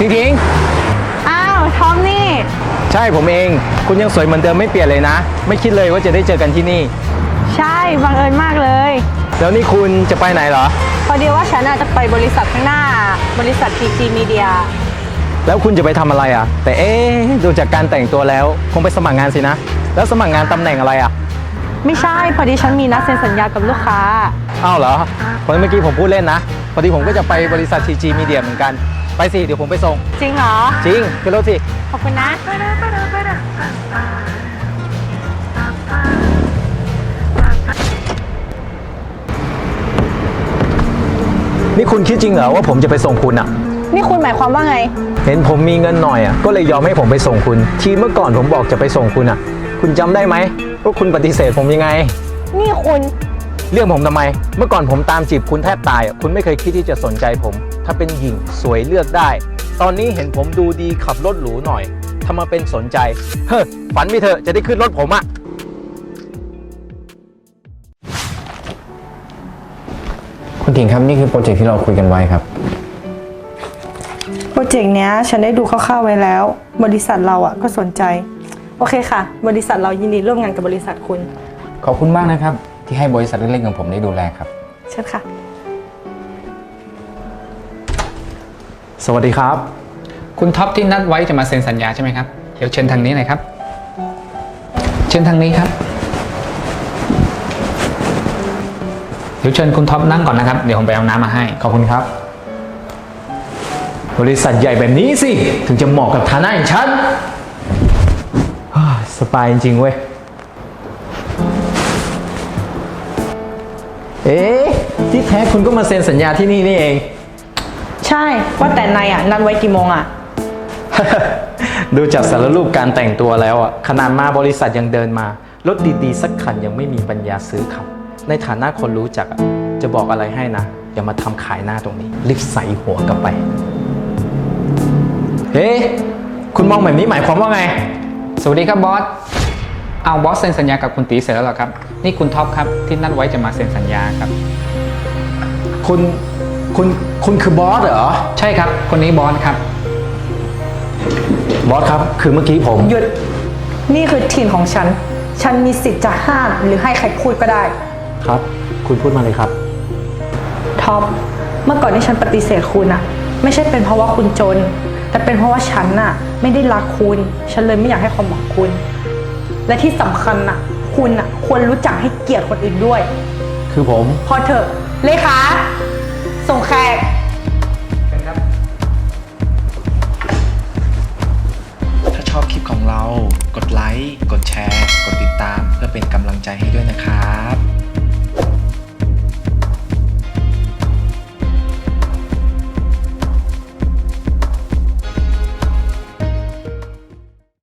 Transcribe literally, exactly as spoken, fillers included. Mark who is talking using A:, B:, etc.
A: ทิ้งทิ้ง
B: อ้าวทอมนี่
A: ใช่ผมเองคุณยังสวยเหมือนเดิมไม่เปลี่ยนเลยนะไม่คิดเลยว่าจะได้เจอกันที่นี่
B: ใช่บังเอิญมากเลย
A: แล้วนี่คุณจะไปไหนเหรอ
B: พอดีว่าฉันอาจจะไปบริษัทข้างหน้าบริษัท พี จี Media
A: แล้วคุณจะไปทำอะไรอ่ะแต่เอ๊ะดูจากการแต่งตัวแล้วคงไปสมัครงานสินะแล้วสมัครงานตำแหน่งอะไรอ่ะ
B: ไม่ใช่พอดีฉันมีนัดเซ็นสัญญากับลูกค้า
A: อ้าวเหรอเพราะเมื่อกี้ผมพูดเล่นนะพอดีผมก็จะไปบริษัท พี จี Media เหมือนกันไปสิเดี๋ยวผมไปส่ง
B: จริงเหรอ
A: จริงขึ้นรถสิ
B: ขอบคุณนะ
A: นี่คุณคิดจริงเหรอว่าผมจะไปส่งคุณอ่ะ
B: นี่คุณหมายความว่าไง
A: เห็นผมมีเงินหน่อยอ่ะก็เลยยอมให้ผมไปส่งคุณทีเมื่อก่อนผมบอกจะไปส่งคุณอ่ะคุณจำได้ไหมว่าคุณปฏิเสธผมยังไง
B: นี่คุณ
A: เรื่องผมทำไมเมื่อก่อนผมตามจีบคุณแทบตายอ่ะคุณไม่เคยคิดที่จะสนใจผมถ้าเป็นหญิงสวยเลือกได้ตอนนี้เห็นผมดูดีขับรถหรูหน่อยทำมาเป็นสนใจเฮ้อฝันไปเถอะจะได้ขึ้นรถผมอ่ะ
C: คุณถิงครับนี่คือโปรเจกต์ที่เราคุยกันไว้ครับ
B: โปรเจกต์เนี้ยฉันได้ดูคร่าวๆไว้แล้วบริษัทเราอ่ะก็สนใจโอเคค่ะบริษัทเรายินดีร่วมงานกับบริษัทคุณ
C: ขอบคุณมากนะครับที่ให้บริษัทเล็กๆของผมได้ดูแลครับ
B: เชิญค่ะ
A: สวัสดีครับ
D: คุณท็อปที่นัดไว้จะมาเซ็นสัญญาใช่ไหมครับเดี๋ยวเชิญทางนี้หน่อยครับเชิญทางนี้ครับเดี๋ยวเชิญคุณท็อปนั่งก่อนนะครับเดี๋ยวผมไปเอาน้ำมาให้
A: ขอบคุณครับบริษัทใหญ่แบบนี้สิถึงจะเหมาะกับฐานะอย่างฉันสบายจริงๆเว้ยเอ๊ะที่แท้คุณก็มาเซ็นสัญญาที่นี่นี่เอง
B: ใช่ว่าแต่นายอ่ะนัดไว้กี่โมงอ่ะ
A: ดูจากสารรูปการแต่งตัวแล้วอ่ะขนาดมาบริษัทยังเดินมารถดีๆสักคันยังไม่มีปัญญาซื้อครับในฐานะคนรู้จักอ่ะจะบอกอะไรให้นะอย่ามาทำขายหน้าตรงนี้รีบใส่หัวกลับไปเฮ้คุณมองแบบนี้หมายความว่าไง
D: สวัสดีครับบอสเอาบอสเซ็นสัญญากับคุณตีเสร็จแล้วหรอครับนี่คุณท็อปครับที่นัดไว้จะมาเซ็นสัญญาครับ
A: คุณคุณคุณคือบอสเหรอ
D: ใช่ครับคนนี้บอสครับ
A: บอสครับคือเมื่อกี้ผม
B: หยุดนี่คือทีมของฉันฉันมีสิทธิ์จะห้ามหรือให้ใครพูดก็ได้
A: ครับคุณพูดมาเลยครับ
B: ท็อปเมื่อก่อนที่ฉันปฏิเสธคุณอะไม่ใช่เป็นเพราะว่าคุณจนแต่เป็นเพราะว่าฉันน่ะไม่ได้รักคุณฉันเลยไม่อยากให้ความหวังคุณและที่สำคัญน่ะคุณน่ะควรรู้จักให้เกียรติคนอื่นด้วย
A: คือผม
B: พอเถอะเลขาส่งแขก
E: ถ้าชอบคลิปของเรากดไลค์กดแชร์กดติดตามเพื่อเป็นกำลังใจให้ด้วยนะครับ